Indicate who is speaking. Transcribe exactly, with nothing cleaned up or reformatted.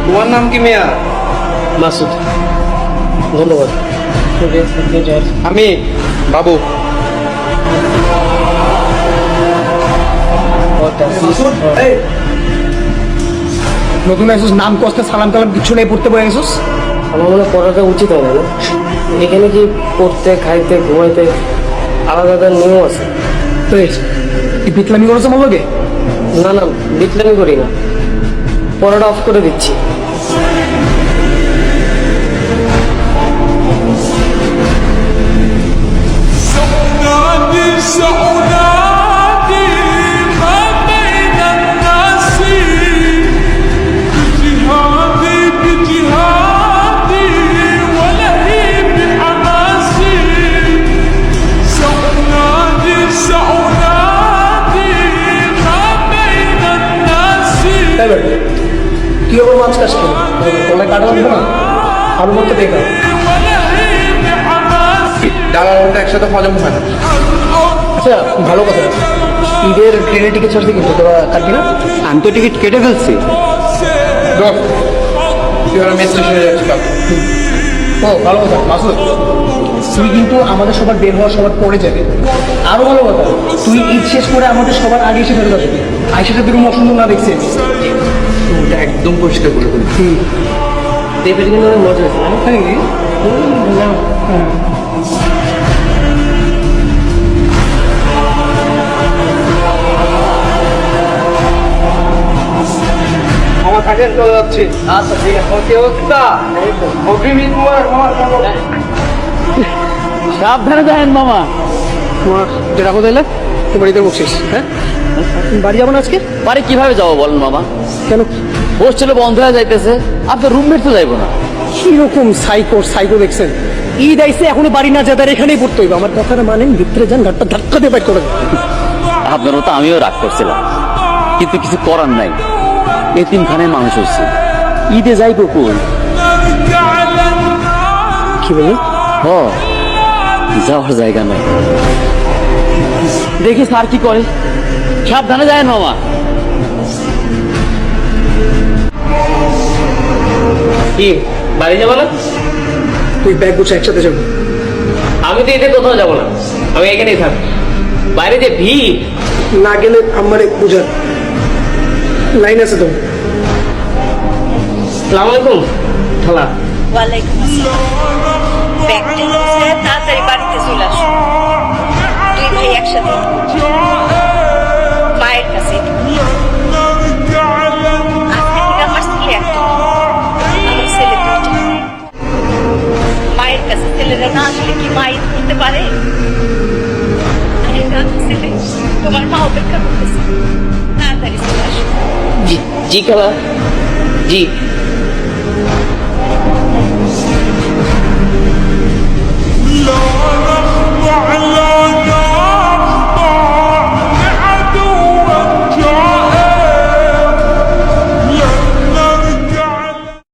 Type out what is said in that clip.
Speaker 1: তোমার নাম কি মেয়া?
Speaker 2: মাসুদ। ধন্যবাদ।
Speaker 1: আমি বাবু।
Speaker 2: নতুন আসছিস, নাম কষ্ট সালাম টালাম কিছু নেই, পড়তে বয়ে গেছিস।
Speaker 3: আমার মনে হয় পড়াটা উচিত হয় না না? এখানে কি পড়তে খাইতে ঘুমাইতে আলাদা আলাদা নিয়ম আছে?
Speaker 2: তো এই বিটলামি করেছে আমার লোকে।
Speaker 3: না না, বিটলামি করি না, পড়াটা অফ করে দিচ্ছি।
Speaker 2: কি হবে মাছ কাজ কেন তোলা কাটা লাগবে না, আলু মতো বেকার।
Speaker 1: ডাল আর ওটা একসাথে হজম হয় না।
Speaker 2: আচ্ছা ভালো কথা, ঈদের ট্রেনের টিকিট ছাড়ছে কিন্তু তোরা কাটবি না?
Speaker 4: আমি তো টিকিট কেটে ফেলছি।
Speaker 1: দোস্ত, তুই ওরা মেট্রো স্টেশনে যাচ্ছি কাল।
Speaker 2: ও ভালো কথা মাসুদ, তুই কিন্তু আমাদের সবার বের হওয়ার সবার পরে যাবে। আরো ভালো কথা, তুই ঈদ শেষ করে আমাদের সবার আগে এসে ফেরত আসবি। আইসাটা বেরোম অসুন্দর না দেখছি।
Speaker 1: ওটা একদম পরিষ্কার করে ফেলি।
Speaker 3: দেবের কিন্তু অনেক মজা হয়েছে না?
Speaker 1: আমার থাকেন চলে যাচ্ছি।
Speaker 3: আচ্ছা ঠিক আছে।
Speaker 1: কি অবস্থা? অগ্রিম ঈদ মুবারক মামা।
Speaker 4: সাবধানে যাবেন মামা।
Speaker 2: তোমার যেটা কোথায় এলে তোমার ঈদের বকশিস। হ্যাঁ তুমি বাড়ি যাবো না আজকে?
Speaker 4: বাড়ি কিভাবে যাবো বলেন মামা?
Speaker 2: কেন?
Speaker 4: হোস্টেলে বন্ধ হয়ে যাইতেছে, আপনার রুমমেট তো যাইবো না।
Speaker 2: কিরকম সাইকো সাইকো দেখছেন? ঈদ আইসে এখনো বাড়ি না যেতে এখানেই পড়তে হইবে। আমার কথাটা মানেন, ভিতরে যান, ঘাটটা ধাক্কা দিয়ে বাইর করে দেন।
Speaker 4: আপনার মতো আমিও রাগ করছিলাম, কিন্তু কিছু করার নাই। এতিমখানায় মানুষ হচ্ছে, ঈদে যাইবো কই?
Speaker 2: কি বললেন?
Speaker 4: হ, যাওয়ার জায়গা নাই। দেখি স্যার কি করে। সাবধানে যায় মামা।
Speaker 3: কি বাড়ি যাবো না?
Speaker 2: তুই ব্যাগ গুছা একসাথে যাবো।
Speaker 3: আমি তো এতে কোথাও যাবো না, আমি এখানেই থাক। বাইরে যে ভিড়,
Speaker 2: না গেলে আমার বুঝার লাইন আছে তো।
Speaker 3: সালাম আলাইকুম খালা।
Speaker 5: ওয়ালাইকুম আসসালাম। ব্যাগটা গুছিয়ে তাড়াতাড়ি বাড়িতে চলে আসো। দুই ভাই একসাথে মায়ের কাছে। আজকে থেকে আমার ছেলে একটা, আমার ছেলে দুইটা। মায়ের কাছে ছেলেরা না আসলে কি মা ঈদ করতে পারে? এটা ছেলে, তোমার মা অপেক্ষা করতেছে, তাড়াতাড়ি চলে আসো।
Speaker 3: জি জি খালা, জি।